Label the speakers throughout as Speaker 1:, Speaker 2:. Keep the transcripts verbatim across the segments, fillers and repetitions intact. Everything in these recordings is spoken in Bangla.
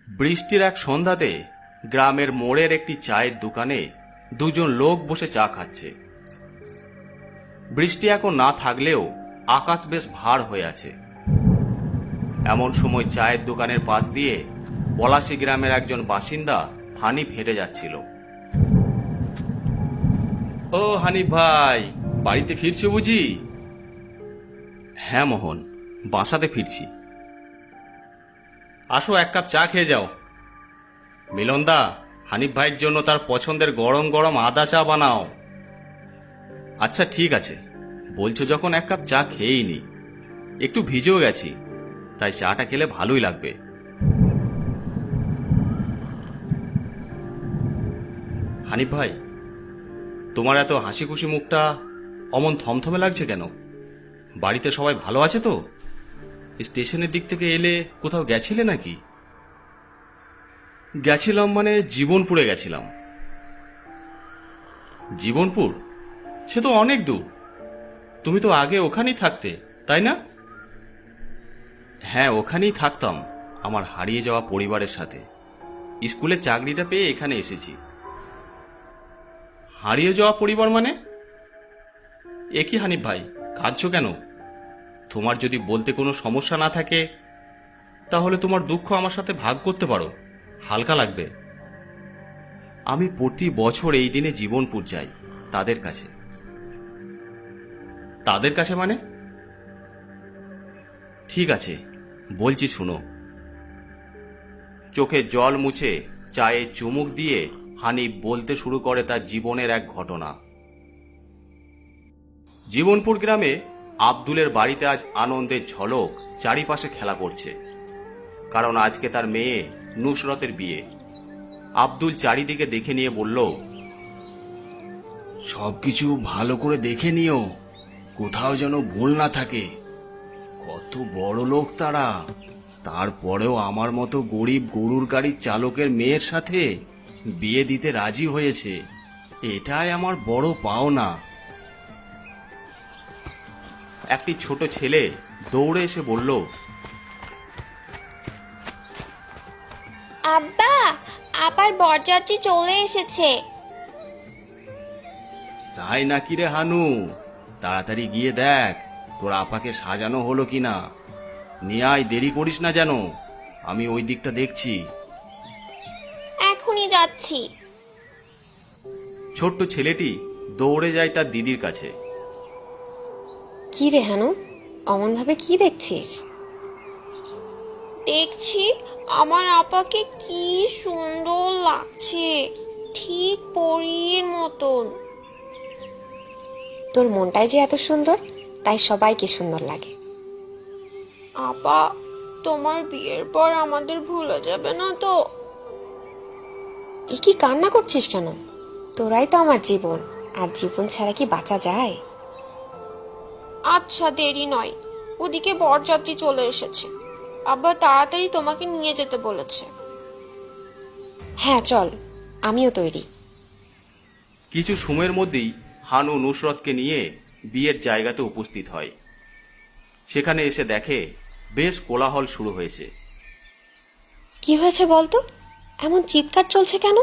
Speaker 1: বৃষ্টির এক সন্ধ্যাতে গ্রামের মোড়ের একটি চায়ের দোকানে দুজন লোক বসে চা খাচ্ছে। বৃষ্টি এখন না থাকলেও আকাশ বেশ ভার হয়ে আছে। এমন সময় চায়ের দোকানের পাশ দিয়ে পলাশী গ্রামের একজন বাসিন্দা হানিফ হেঁটে যাচ্ছিল। ও হানিফ ভাই, বাড়িতে ফিরছো বুঝি? হ্যাঁ মোহন, বাসাতে ফিরছি। আসো এক কাপ চা খেয়ে যাও। মিলনদা, হানিফ ভাইয়ের জন্য তার পছন্দের গরম গরম আদা চা বানাও। আচ্ছা ঠিক আছে, বলছো যখন এক কাপ চা খেয়েই নি। একটু ভিজেও গেছি, তাই চাটা খেলে ভালোই লাগবে। হানিফ ভাই, তোমার এত হাসি খুশি মুখটা অমন থমথমে লাগছে কেন? বাড়িতে সবাই ভালো আছে তো? স্টেশনের দিক থেকে এলে কোথাও গেছিলে নাকি? গেছিলাম মানে জীবনপুরে গেছিলাম। জীবনপুর? সে তো অনেক দূর। তুমি তো আগে ওখানেই থাকতে, তাই না? হ্যাঁ, ওখানেই থাকতাম আমার হারিয়ে যাওয়া পরিবারের সাথে। স্কুলে চাকরিটা পেয়ে এখানে এসেছি। হারিয়ে যাওয়া পরিবার মানে? এ কি হানিফ ভাই, কাঁদছো কেন? তোমার যদি বলতে কোনো সমস্যা না থাকে তাহলে তোমার দুঃখ আমার সাথে ভাগ করতে পারো, হালকা লাগবে। আমি প্রতি বছর এই দিনে জীবনপুর যাই তাদের কাছে। তাদের কাছে মানে? ঠিক আছে, বলছি শুনো। চোখে জল মুছে চায়ে চুমুক দিয়ে হানিফ বলতে শুরু করে তার জীবনের এক ঘটনা। জীবনপুর গ্রামে আব্দুলের বাড়িতে আজ আনন্দের ঝলক চারিপাশে খেলা করছে, কারণ আজকে তার মেয়ে নুসরতের বিয়ে। আব্দুল চারিদিকে দেখে নিয়ে বলল, সবকিছু ভালো করে দেখে নিও, কোথাও যেন ভুল না থাকে। কত বড় লোক তারা, তারপরেও আমার মতো গরিব গরুর গাড়ির চালকের মেয়ের সাথে বিয়ে দিতে রাজি হয়েছে। এটাই আমার বড় পাওনা। একটি ছোট ছেলে দৌড়ে এসে বলল,
Speaker 2: আব্বা, আবার বরযাত্রী চলে এসেছে।
Speaker 1: তাই নাকি রে হানু? তাড়াতাড়ি গিয়ে দেখ তোর আপাকে সাজানো হলো কিনা। নিয়ে আয়, দেরি করিস না যেন। আমি ওই দিকটা দেখছি।
Speaker 2: এখনই যাচ্ছি।
Speaker 1: ছোট্ট ছেলেটি দৌড়ে যায় তার দিদির কাছে।
Speaker 3: কি রে হানু, অমন ভাবে কি দেখছিস?
Speaker 2: দেখছি আমার আপাকে কি সুন্দর লাগছে, ঠিক পরীর মতন।
Speaker 3: তোর মনটাই যে এত সুন্দর, তাই সবাইকে সুন্দর লাগে।
Speaker 2: আপা, তোমার বিয়ের পর আমাদের ভুলে যাবে না তো?
Speaker 3: এ কি কান্না করছিস কেন? তোরাই তো আমার জীবন, আর জীবন ছাড়া কি বাঁচা যায়?
Speaker 2: আচ্ছা, দেরি নয়, ওদিকে বরযাত্রী চলে এসেছে। আব্বা তাড়াতাড়ি তোমাকে নিয়ে যেতে বলেছে।
Speaker 3: হ্যাঁ চল, আমিও তৈরি।
Speaker 1: কিছু সময়ের মধ্যেই হানু নুসরতকে নিয়ে বিয়ের জায়গাতে উপস্থিত হয়। সেখানে এসে দেখে বেশ কোলাহল শুরু হয়েছে।
Speaker 3: কি হয়েছে বলতো? এমন চিৎকার চলছে কেন?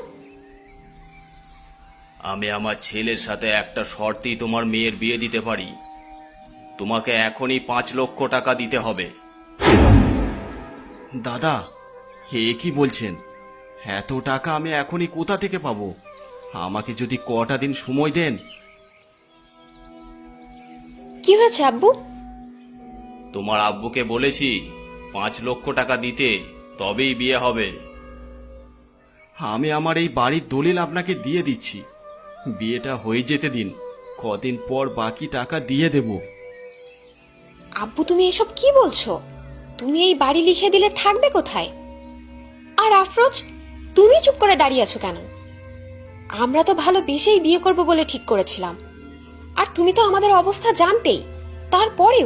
Speaker 1: আমি আমার ছেলের সাথে একটা শর্তেই তোমার মেয়ের বিয়ে দিতে পারি। তোমাকে এখনই পাঁচ লক্ষ টাকা দিতে হবে। দাদা, হে কি বলছেন? এত টাকা আমি এখনই কোথা থেকে পাবো? আমাকে যদি কটা দিন সময় দেন।
Speaker 3: কি হয়েছে আব্বু?
Speaker 1: তোমার আব্বুকে বলেছি পাঁচ লক্ষ টাকা দিতে, তবেই বিয়ে হবে। আমি আমার এই বাড়ির দলিল আপনাকে দিয়ে দিচ্ছি, বিয়েটা হয়ে যেতে দিন, কদিন পর বাকি টাকা দিয়ে দেব।
Speaker 3: আব্বু তুমি এসব কি বলছো? তুমি এই বাড়ি লিখে দিলে থাকবে কোথায়? আর আফরোজ, তুমি চুপ করে দাঁড়িয়ে আছো কেন? আমরা তো ভালোবেসেই বিয়ে করব বলে ঠিক করেছিলাম, আর তুমি তো আমাদের অবস্থা জানতেই, তারপরেও।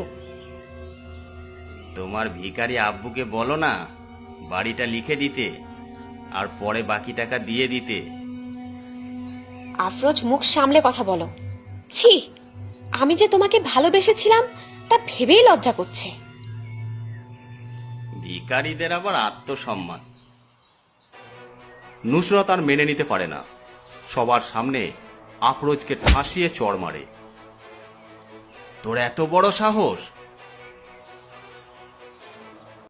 Speaker 1: তোমার ভিখারি আব্বুকে বলো না বাড়িটা লিখে দিতে, আর পরে বাকি টাকা দিয়ে দিতে।
Speaker 3: আফরোজ, মুখ সামলে কথা বলো। ছি, আমি যে তোমাকে ভালোবেসেছিলাম তা ভেবেই লজ্জা করছে।
Speaker 1: ভিখারিদের আবার আত্মসম্মান। নুসরত আর মেনে নিতে পারে না, সবার সামনে আফরোজকে ঠাসিয়ে চড় মারে। তোর এত বড় সাহস!